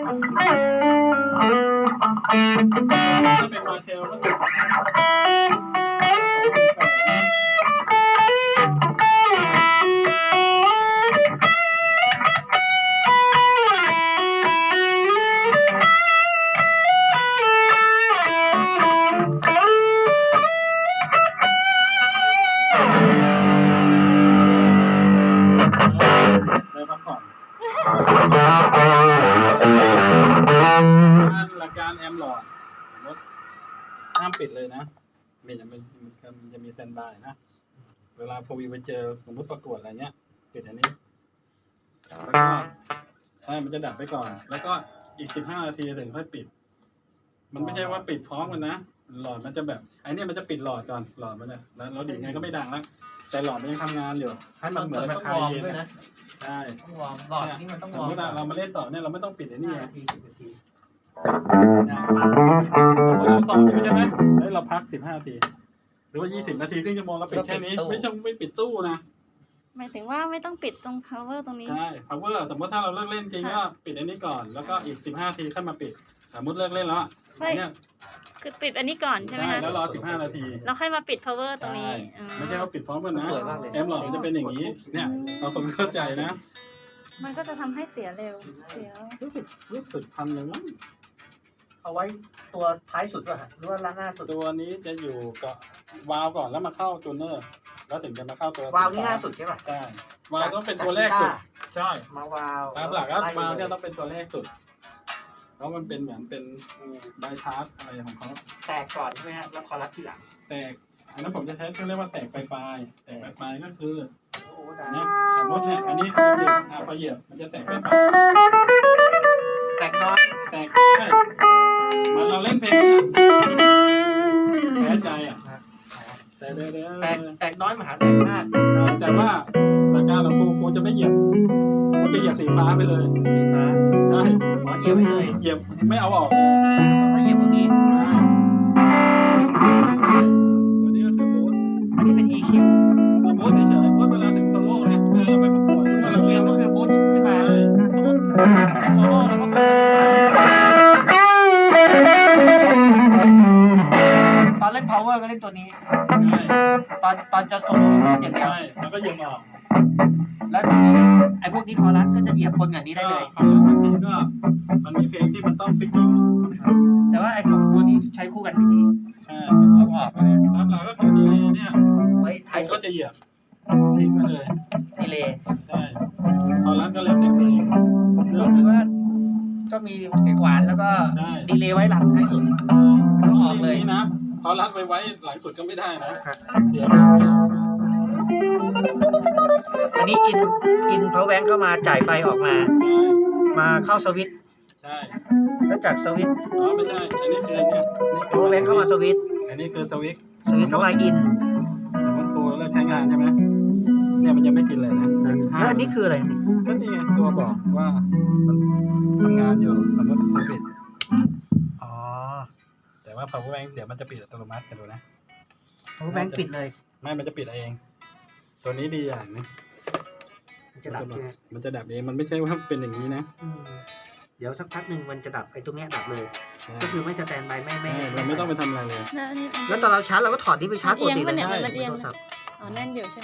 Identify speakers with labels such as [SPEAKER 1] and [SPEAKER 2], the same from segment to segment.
[SPEAKER 1] ถ้าเป็นมาเชลก็หลักการแอมหลอดห้ามปิดเลยนะมันจะมีแซนด์บายนะเวลาโฟวีไปเจอสมมติประกวดอะไรเนี้ยปิดอันนี้แล้วก็ให้มันจะดับไปก่อนแล้วก็อีก15 นาทีถึงค่อยปิดมันไม่ใช่ว่าปิดพร้อมกันนะหลอดมันจะแบบไอ้นี่มันจะปิดหลอดก่อนหลอดมันเนี่ยแล้วดีดไงก็ไม่ดังแล้วแต่หลอดมันยังทำงานอยู่ให้มันเหมือนแบบคลายเย็นนะใช่
[SPEAKER 2] ต้องวอร์มหลอดนี่มันต้องวอร์ม
[SPEAKER 1] สมมติเรามาเล่นต่อเนี่ยเราไม่ต้องปิดไอ้นี่ไง
[SPEAKER 2] 10 นาที
[SPEAKER 1] เราซ้อมอยู่ใช่ไหมแล้วเราพัก15 นาทีหรือว่า20 นาทีครึ่งชั่วโมงเราปิดแค่นี้ไม่ปิดตู้นะ
[SPEAKER 3] หมายถึงว่าไม่ต้องปิดตรง power ตรงนี้
[SPEAKER 1] ใช่ power สมมติถ้าเราเลิกเล่นจริงก็ปิดอันนี้ก่อนแล้วก็อีก15 นาทีค่อยมาปิดสมมติเลิกเล่นแล้วเนี่ย
[SPEAKER 3] คือปิดอันนี้ก่อนใช่ไหมคะ
[SPEAKER 1] แล้วรอ15 นาที
[SPEAKER 3] เราค่อยมาปิด power ตรงนี้
[SPEAKER 1] ไม่ใช่ว่าปิดพร้อมกันนะแอมหลอดมันจะเป็นอย่างนี้เนี่ยเราคนเข้าใจนะ
[SPEAKER 3] มันก็จะทำให้เสียเร็วเสีย
[SPEAKER 1] รู้สึกพันเลยมั้ง
[SPEAKER 2] เอาไว้ตัวท้ายสุดป่ะฮะหรือว่าหน้าสุด
[SPEAKER 1] ตัวนี้จะอยู่กับวาล์วก่อนแล้วมาเข้าจูเนอร์แล้วถึงจะมาเข้าตัว
[SPEAKER 2] วาล์วนี่หน้าสุดใช่ป่ะ
[SPEAKER 1] ใช่วาล์วต้องเป็นตัวแรกสุดใช่
[SPEAKER 2] มาวาล์ว
[SPEAKER 1] ตามหลักแล้ววาล์วเนี่ยต้องเป็นตัวแรกสุดเพราะมันเป็นเหมือนเป็นไบพาสอะไรของเขา
[SPEAKER 2] แตกก่อนใช่ไหมฮะแล้วคอรัสทีหลัง
[SPEAKER 1] แตกอันนั้นผมจะใช้เรียกว่าแตกปลายแตกปลายก็คือเนี่ยสมมติเนี่ยอันนี้เหยียบพอเหยียบมันจะแตกปลาย
[SPEAKER 2] แตกน้อย
[SPEAKER 1] แตกใช่มันเราเล่นเพลงแพ้ใจอ่ะ
[SPEAKER 2] แตกน้อยมหาแตกมาก
[SPEAKER 1] แต่ว่าหลักการของครูจะไม่เหยียบครูจะเหยียบสีฟ้าไปเลย
[SPEAKER 2] สีฟ้า
[SPEAKER 1] ใช่
[SPEAKER 2] เหยียบไปเลย
[SPEAKER 1] เหยียบไม่เอาออก
[SPEAKER 2] ถ้าเหยียบตรงนี้
[SPEAKER 1] ตัวนี้ก็คือบูท
[SPEAKER 2] อันนี้เป็น EQ
[SPEAKER 1] บูทเฉยๆบูทเวลาถึงโซโล่เลยเวลาเราไปประกวดหรือว่าเราเล่น
[SPEAKER 2] ก็คือบูทขึ้นมาสมมติโซโล่แล้วก็ตอนเล่น power ก็เล่นตัวนี้ตอนจะโซโล่อย่างเดียว
[SPEAKER 1] แล้วก็เหยียบออก
[SPEAKER 2] แล้วทีนี้ไอ้พวกนี้คอรัสก็จะเหยียบคนอย่างนี้ได้เลย
[SPEAKER 1] คอรัสบางทีก็มันมีเพลงที่มันต้องฟิกกิ้ง
[SPEAKER 2] แต่ว่าไอ้ของตัวนี้ใช้คู่กันไม่ดี
[SPEAKER 1] ใช่เอาออกเลยตามหลักก็คือดีเลย์เนี่ย
[SPEAKER 2] ไว้ท้าย
[SPEAKER 1] ก็จะเหยียบทิ้งไปเลย
[SPEAKER 2] ดีเลย์
[SPEAKER 1] ใช่คอรัสก็เล่นเพลง
[SPEAKER 2] ก็คือว่าก็มีเสียงหวานแล้วก็ดีเลย์ไว้หลังท้ายสุดก็ออกเลย
[SPEAKER 1] นะคอรัสไว้หลังสุดก็ไม่ได้นะเสีย
[SPEAKER 2] อันนี้อินpower bank เข้ามาจ่ายไฟออกมาเข้าสวิตช์
[SPEAKER 1] ใช่
[SPEAKER 2] แล้วจากสวิตช์
[SPEAKER 1] ไม่ใช่อันนี้คือเนี่ย
[SPEAKER 2] power bank เข้ามาสวิตช์
[SPEAKER 1] อันนี้คือสวิตช์
[SPEAKER 2] เข้ามาอิน
[SPEAKER 1] มันครูเริ่มใช้งานใช่ไหมเนี่ยมันยังไม่กินเลยนะ
[SPEAKER 2] แล้วอันนี้คืออะไร
[SPEAKER 1] ก็นี่ไงตัวบอกว่ามันทำงานอยู่สมมติครูปิด
[SPEAKER 2] อ๋อ
[SPEAKER 1] แต่ว่า power bank เดี๋ยวมันจะปิดอัตโนมัติกันดูนะ
[SPEAKER 2] power bank ปิดเลย
[SPEAKER 1] ไม่มันจะปิดเองตัวนี้ดีอย่างนึง
[SPEAKER 2] มันจะดับ
[SPEAKER 1] เองมันไม่ใช่ว่าเป็นอย่างนี้นะ
[SPEAKER 2] เดี๋ยวสักพักหนึ่งมันจะดับไอ้ตรงเนี้ยดับเลยก็คือไม่สแตนบายไม่
[SPEAKER 1] เราไม่ต้องไปทำอะไรเลย
[SPEAKER 2] แล้วตอนเราชาร์จเราก็ถอดนี่ไปชาร์จปกติเลย
[SPEAKER 3] ใช่มันเอียงอ๋อแน่นอยู่ใช่ไหม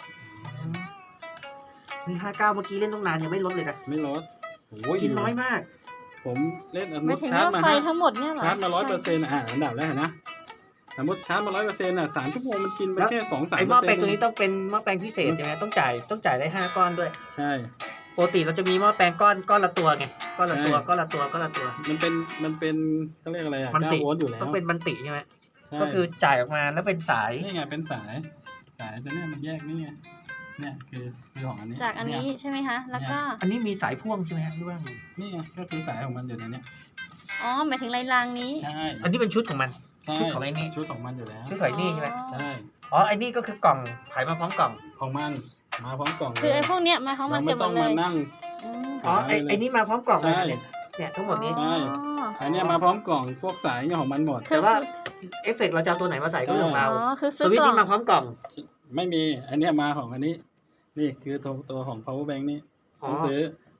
[SPEAKER 2] มี59เมื่อกี้เล่นต้องนานยังไม่ลดเลยนะ
[SPEAKER 1] ไม่ลด
[SPEAKER 2] กินน้อยมาก
[SPEAKER 1] ผมเล่น
[SPEAKER 3] ชาร์จมาทั้งหมดเนี่ยหรอ
[SPEAKER 1] ชาร์จมา 100% อันดับแรกนะสมมติชาร์จมา 100% 3 ชั่วโมงมันกินไปแค่ 2-3%
[SPEAKER 2] ไอ้หม้อแปลงตัวนี้ต้องเป็นหม้อแปลงพิเศษใช่ไหมต้องจ่ายได้5ก้อนด้วย
[SPEAKER 1] ใช่
[SPEAKER 2] ปกติเราจะมีหม้อแปลงก้อนละตัวไงก้อนละตัว
[SPEAKER 1] มันเป็นต้องเรียกอะไร9 โวลต์อยู่แล้ว
[SPEAKER 2] ต้องเป็นบันติใช่ไหมก็คือจ่ายออกมาแล้วเป็นสาย
[SPEAKER 1] นี่ไงเป็นสายแต่เนี่ยมันแยกนี่ไงเนี่ยคือของอันนี้
[SPEAKER 3] จากอันนี้ใช่ไหมคะแล้วก็
[SPEAKER 2] อันนี้มีสายพ่วงใช่ไหมหรือว่า
[SPEAKER 1] นี่ไงก็คือสายของมันอยู่ในนี้
[SPEAKER 3] อ๋อหมายถึงรางนี้
[SPEAKER 1] ใช่
[SPEAKER 2] อันนี้เป็นชุดของมันชุดของไอ้นี่
[SPEAKER 1] ชุดของมันอยู่แล้ว
[SPEAKER 2] ชุดของไอ้นี่ใช่ไหม
[SPEAKER 1] ใช่
[SPEAKER 2] อ๋อไอ้นี่ก็คือกล่องขายมาพร้อมกล่อง
[SPEAKER 1] ของมันมาพร้อมกล่อง
[SPEAKER 3] คือไอ้พวกเนี้ยมาพร้อมมัน
[SPEAKER 1] ไม่ต้องมานั่ง
[SPEAKER 2] อ๋อไอ้นี่มาพร้อมกล่องเลยเนี่ยทั้งหมดนี้
[SPEAKER 1] ใช่อันนี้มาพร้อมกล่องพวกสายของมันหมด
[SPEAKER 2] แต่ว่าเอฟเฟกต์เราจะเอาตัวไหนมาใส่ก็เรื่องของเราสวิตช์นี่มาพร้อมกล่อง
[SPEAKER 1] ไม่มีอันนี้มาของอันนี้นี่คือตัวของ power bank นี่ต้องซื้อ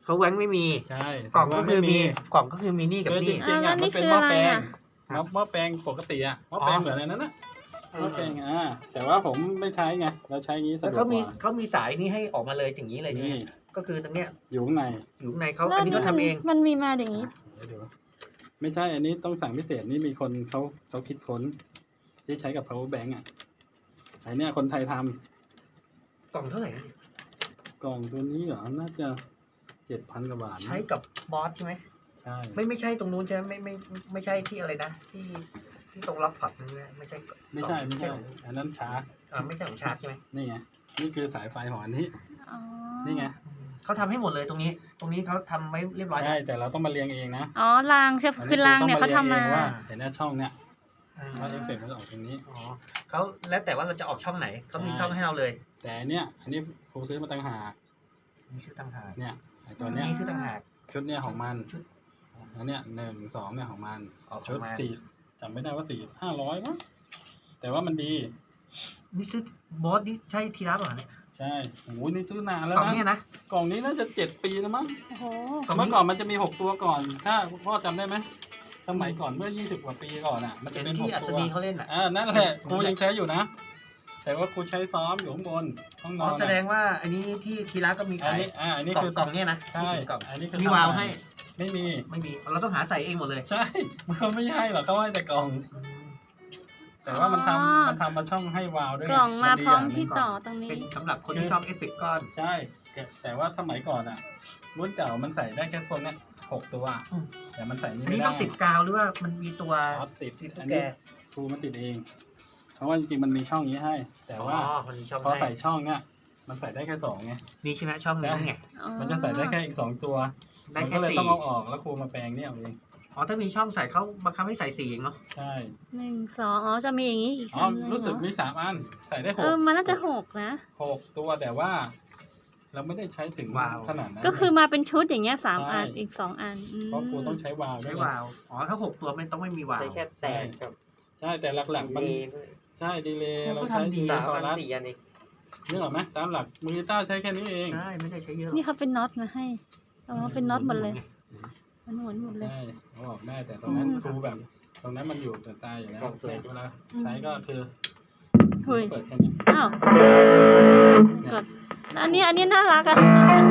[SPEAKER 2] เพราะแหวงไม่มี
[SPEAKER 1] ใช่
[SPEAKER 2] กล่องก็คือมี
[SPEAKER 1] แต่ว่
[SPEAKER 2] กล่องก็คือมีนี่กับ
[SPEAKER 1] คือจ
[SPEAKER 2] นี่
[SPEAKER 1] ริงๆอ่ะ
[SPEAKER 3] แล้วนี่
[SPEAKER 1] มันเป็น
[SPEAKER 3] คือ
[SPEAKER 1] หม้อ
[SPEAKER 3] อะไร
[SPEAKER 1] แปลง
[SPEAKER 3] อ่ะ
[SPEAKER 1] หม้อแปลงปกติอ่ะหม้อแปลงเหมือนอะไรนั้นนะหม้อแปลงแต่ว่าผมไม่ใช้ไงเราใช้งี้สะ
[SPEAKER 2] แล้ว
[SPEAKER 1] ดวก
[SPEAKER 2] เขา
[SPEAKER 1] ก
[SPEAKER 2] มี
[SPEAKER 1] ว่า
[SPEAKER 2] เขามีสายนี่ให้ออกมาเลยอย่างนี้เลยใช่ไหม
[SPEAKER 1] นี่
[SPEAKER 2] ก็คือตรงเนี้ย
[SPEAKER 1] อยู่ข้างใน
[SPEAKER 2] อยู่ข้างในเขา
[SPEAKER 3] แล้ว
[SPEAKER 2] อันนี้เขาทำเอง
[SPEAKER 3] มันมีมาอย่างนี้
[SPEAKER 1] เดี๋ยวไม่ใช่อันนี้ต้องสั่งพิเศษนี่มีคนเขาคิดค้นที่ใช้กับ power bank อ่ะไอเนี้ยคนไทยทำ
[SPEAKER 2] กล่องเท่าไหร่นะ
[SPEAKER 1] กล่องตัวนี้เหรอน่าจะ7,000 กว่าบาทนะ
[SPEAKER 2] ใช้กับบอสใช่ไหม
[SPEAKER 1] ใช่
[SPEAKER 2] ไม่ใช่ตรงนู้นใช่ไหมไม่ใช่ที่อะไรนะที่ตรงล็อกผับนั่นใช่ไหมไม่ใช่
[SPEAKER 1] ไม่ใช่อันนั้นชาร์จ
[SPEAKER 2] ไม่ใช่ของชาร์จใช่ไหม
[SPEAKER 1] นี่ไงนี่คือสายไฟของอันนี้
[SPEAKER 3] อ๋อ
[SPEAKER 1] นี่ไง
[SPEAKER 2] เขาทำให้หมดเลยตรงนี้เขาทำไว้เรียบร้อยแล้
[SPEAKER 1] ใช่
[SPEAKER 2] ว
[SPEAKER 1] แต่เราต้องมาเรียงเองนะ
[SPEAKER 3] อ๋อรางใช่คือรางเนี่ยเขาทำมา
[SPEAKER 1] อันนี้คือต้องเรียงเองว่าเห็นหน้าช่องเนี่ย
[SPEAKER 2] อ่า
[SPEAKER 1] ว่าเอฟเฟกต์มันจะออกตรงนี้
[SPEAKER 2] อ๋อเขาแล้วแต่ว่าเราจะออกช่องไหนเขามี
[SPEAKER 1] ใช่
[SPEAKER 2] ช่องให้เราเลย
[SPEAKER 1] แต่อันนี้ครูซื้อมาต่างหาก
[SPEAKER 2] มีชื่อต่างหาก
[SPEAKER 1] เนี่ยไอตัวเนี้ย
[SPEAKER 2] มีชื่อต่างหาก
[SPEAKER 1] ชุดเนี่ยของมัน
[SPEAKER 2] ชุด
[SPEAKER 1] แล้วเนี่ย1 2เนี่ยของมัน
[SPEAKER 2] ออกข
[SPEAKER 1] ชุ
[SPEAKER 2] อ
[SPEAKER 1] ด
[SPEAKER 2] งมัน
[SPEAKER 1] 4จำไม่ได้ว่า500มั้งแต่ว่ามันดี
[SPEAKER 2] นี่ซื้อบอสนี่ใช่ทีรับเหรอเนี่ย
[SPEAKER 1] ใช่โอ้ยนี่ซื้อนานแล้ว
[SPEAKER 2] กล่อง
[SPEAKER 1] นะ
[SPEAKER 2] เนี่ยนะ
[SPEAKER 1] กล่องนี้น่าจะ7 ปีแล้วมั้ง
[SPEAKER 3] โอ้โห
[SPEAKER 2] กล่องนี้
[SPEAKER 1] เมื่อก่อนมันจะมี6 ตัวก่อนถ้าพ่อจำได้ไหมสมัยก่อนเมื่อ20 กว่าปีก่อนอ่ะ มันจะ
[SPEAKER 2] เป็น
[SPEAKER 1] เป็น
[SPEAKER 2] ที่อั
[SPEAKER 1] 6
[SPEAKER 2] ศ
[SPEAKER 1] ตัว
[SPEAKER 2] นีเขาเล่นอ่ะ
[SPEAKER 1] นั่นแหละครูยังใช้อยู่นะ แต่ว่าครูใช้ซ้อมอยู่ข้างบนห้องน
[SPEAKER 2] อ๋
[SPEAKER 1] อ
[SPEAKER 2] อน แสดงว่าอันนี้ที่ทีรับก็มี
[SPEAKER 1] อัน
[SPEAKER 2] ขาย
[SPEAKER 1] นี้อันนี้
[SPEAKER 2] กล่อง
[SPEAKER 1] คือก
[SPEAKER 2] ล่องเนี่ยนะ
[SPEAKER 1] ใช่
[SPEAKER 2] กล่อง
[SPEAKER 1] อันนี้คือ
[SPEAKER 2] มีวาล์วให้
[SPEAKER 1] ไม่มี
[SPEAKER 2] ไม่มีเราต้องหาใส่เองหมดเลย
[SPEAKER 1] ใช่ มันไม่ให้หรอกเขาให้แต่กล่อง แต่ว่ามันทำมาช่องให้วาล์วด้วย
[SPEAKER 3] กล่องมาพร้อม
[SPEAKER 1] นดี
[SPEAKER 3] ที่
[SPEAKER 1] ย่างหนึ่ง
[SPEAKER 3] ต่อตรงนี้
[SPEAKER 2] เป็นสำหรับคนที่ชอบเอฟเฟกต์ก้อน
[SPEAKER 1] ใช่แต่ว่าสมัยก่อนอ่ะ รุ่นเก่ามันใส่ได้แค่พวกเนี้ย6 ตัว
[SPEAKER 2] อืม
[SPEAKER 1] แต่มันใส่นี่
[SPEAKER 2] อัน
[SPEAKER 1] ไม่
[SPEAKER 2] นี้
[SPEAKER 1] ได้
[SPEAKER 2] ต้องติดกาวหรือว่ามันมีตัว
[SPEAKER 1] อ๋อติด
[SPEAKER 2] ติดตุ๊
[SPEAKER 1] อั
[SPEAKER 2] ก
[SPEAKER 1] น
[SPEAKER 2] แก
[SPEAKER 1] นี้ครูมันติดเอง เพราะว่าจริงๆมันมีช่องนี้ให้ แต่ว่า
[SPEAKER 2] มันมีช่อง
[SPEAKER 1] พอ
[SPEAKER 2] ให้
[SPEAKER 1] ใส่ช่องเนี้ยมันใส่ได้แค่2ไง
[SPEAKER 2] นี่ใช่ไหมช่องนี้ไง
[SPEAKER 3] อ๋อ
[SPEAKER 1] มันจะใส่ได้แค่อีก2 ตัว
[SPEAKER 2] ได้
[SPEAKER 1] มัน
[SPEAKER 2] แค่
[SPEAKER 1] ก็เลย
[SPEAKER 2] สี่
[SPEAKER 1] ต้องเอาออกแล้วครูมาแปลงเนี่ยเอาเอง
[SPEAKER 2] อ๋อถ้ามีช่องใส่เขาบังคับให้ใส่4เองเนาะ
[SPEAKER 1] ใช่
[SPEAKER 3] 1 2อ๋อจะมีอย่างนี้อีก
[SPEAKER 1] อ๋อ
[SPEAKER 3] อันหนึ่ง
[SPEAKER 1] รู้สึก
[SPEAKER 3] เหอ
[SPEAKER 1] มี3 อันใส่ได้
[SPEAKER 3] มันน่าจะ6นะ
[SPEAKER 1] 6 ตัวแต่ว่า เราไม่ได้ใช้ถึงขนาดนั้น
[SPEAKER 3] ก็คือมาเป็นชุดอย่างเงี้ย3
[SPEAKER 1] ใช่
[SPEAKER 3] อันอีก2 อันอืม
[SPEAKER 1] เพราะครูต้องใช้วาล์วด้
[SPEAKER 2] ใช้
[SPEAKER 1] วย
[SPEAKER 2] วาล์วอ๋อถ้า6ตัวไม่ต้องไม่มีวาล์
[SPEAKER 4] ใช้
[SPEAKER 2] ว
[SPEAKER 4] แค่แตกกับ
[SPEAKER 1] ใช่แต่หลักๆมัน
[SPEAKER 4] ดีเลย
[SPEAKER 1] ใช่ดีเลย
[SPEAKER 2] มัน
[SPEAKER 1] เรา
[SPEAKER 2] ก็
[SPEAKER 1] ใช้
[SPEAKER 2] ทำดี
[SPEAKER 1] ดี
[SPEAKER 4] 3
[SPEAKER 1] คอ
[SPEAKER 4] อัน
[SPEAKER 1] รัส
[SPEAKER 4] 4 อันเอง
[SPEAKER 1] นึกออกไหมตามหลักมูลิต้าใช้แค่นี้เอง
[SPEAKER 2] ใช่ไม่ได้ใช้เยอะหรอก
[SPEAKER 3] นี่เขาเป็นน็อตมาให้อ๋อเป็นน็อตหมดเลยมันหมุนหมดเลย
[SPEAKER 1] ใช่เอาออกได้แต่ตรงนั้นครูแบบ ตรงนั้นมันอยู่แต่ตายอยู่แล้วเนี่ยเวลาใช้ก็คือ
[SPEAKER 3] เฮ้ย
[SPEAKER 1] เปิดแค่นี้
[SPEAKER 3] อ้าวกดแล้วอันนี้น่ารักอ่ะ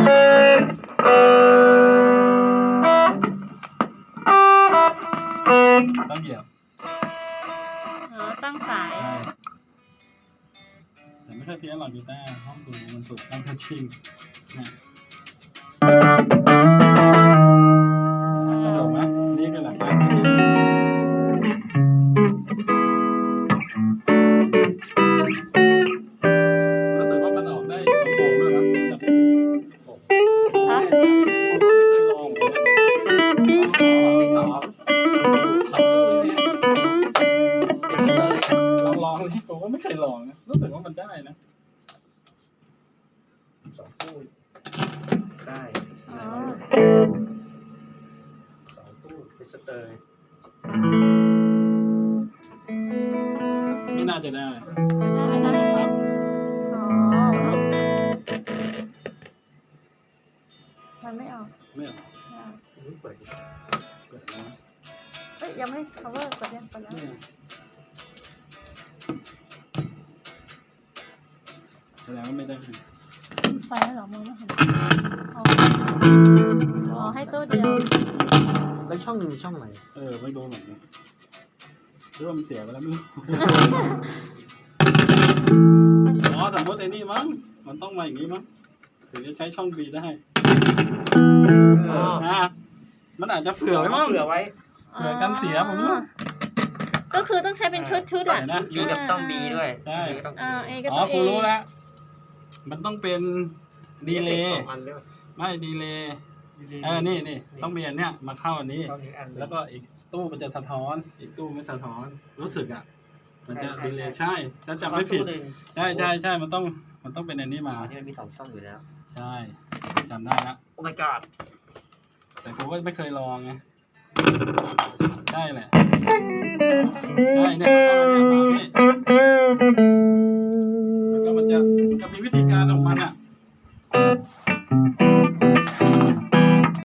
[SPEAKER 1] ต้องเหยียบ
[SPEAKER 3] อ๋อตั้งสาย
[SPEAKER 1] ใช่แต่ไม่ค่อยเพี้ยนหรอกกีตาร์ห้องดูมันฝึกตั้งแต่ชิงเนี่ยสะดวกไหมนี่คือหลักการที่ดีรู้สึกว่ามันออกได้ลำโพงด้วยมั้ยจะเป็นผม
[SPEAKER 3] ฮะ
[SPEAKER 1] ผมก็ไม่เคยลองเลยนะ
[SPEAKER 2] ที่สอง
[SPEAKER 1] ลองที่ผมก็ไม่เคยลองนะรู้สึกว่ามันได้นะ
[SPEAKER 2] 2ตู้ได้
[SPEAKER 3] อ๋อ
[SPEAKER 2] 2ตู้เป็นสเตอร์
[SPEAKER 1] ไม่น่าจะได้
[SPEAKER 3] ได้ไหมนะครับ อ๋อมันไม่ออก
[SPEAKER 1] ไม่เอา
[SPEAKER 3] ไม่ออก
[SPEAKER 2] นี่เปิดดิ
[SPEAKER 1] เกิดแล้ว
[SPEAKER 3] เอ้ยยังไม่ cover กดยังกดแล้ว
[SPEAKER 1] ไม่เอาแสดงว่าไม่ได้
[SPEAKER 3] ไฟแล้วเหรอมองไม่เห็นอ๋อให้ตู้เดียว
[SPEAKER 2] แล้วช่องหนึ่งมีช่องไหน
[SPEAKER 1] ไม่รู้เหมือนกันหรือว่ามันเสียไปแล้วไม่รู้ อ๋อสมมติไอ้นี่มั้งมันต้องมาอย่างนี้มั้งถึงจะใช้ช่อง B ได้
[SPEAKER 2] อ๋อ
[SPEAKER 1] มันอาจจะเผื่อไว้มั้ง
[SPEAKER 2] เผื่อไว้
[SPEAKER 1] เผื่อกันเสียผมไม่รู้
[SPEAKER 3] ก็คือต้องใช้เป็นชุดอ่ะ
[SPEAKER 1] นะ
[SPEAKER 4] มีกับต้องมีด้วย
[SPEAKER 1] ใช่
[SPEAKER 4] มีก็ต้อง
[SPEAKER 3] เอก็
[SPEAKER 1] อ๋อ
[SPEAKER 3] ต้อง
[SPEAKER 1] ครูรู้แล้ว มันต้องเป็นดีเลย์
[SPEAKER 2] 2 อันเลย
[SPEAKER 1] ไม่ดีเลย์นี่ต้องมีอันเนี้ยมาเข้าอันนี้
[SPEAKER 2] ช่องนี้อัน
[SPEAKER 1] แล้วก็อีกตู้มันจะสะท้อน อีกตู้ไม่สะท้อน รู้สึกอ่ะ มันจะดีเลย์ใช่ถ้าจำไม่ผิด ใช่มันต้องเป็นอันนี้มา
[SPEAKER 4] ที่มันมี2 ช่องอยู่แล้ว
[SPEAKER 1] ใช่จำได้ละ
[SPEAKER 2] โอ้ my god
[SPEAKER 1] แต่ผมก็ไม่เคยลองไงใช่แหละใช่เนี่ยมันต้องอันนี้มานี่แล้วก็มันจะมีวิธีการของมันอ่ะ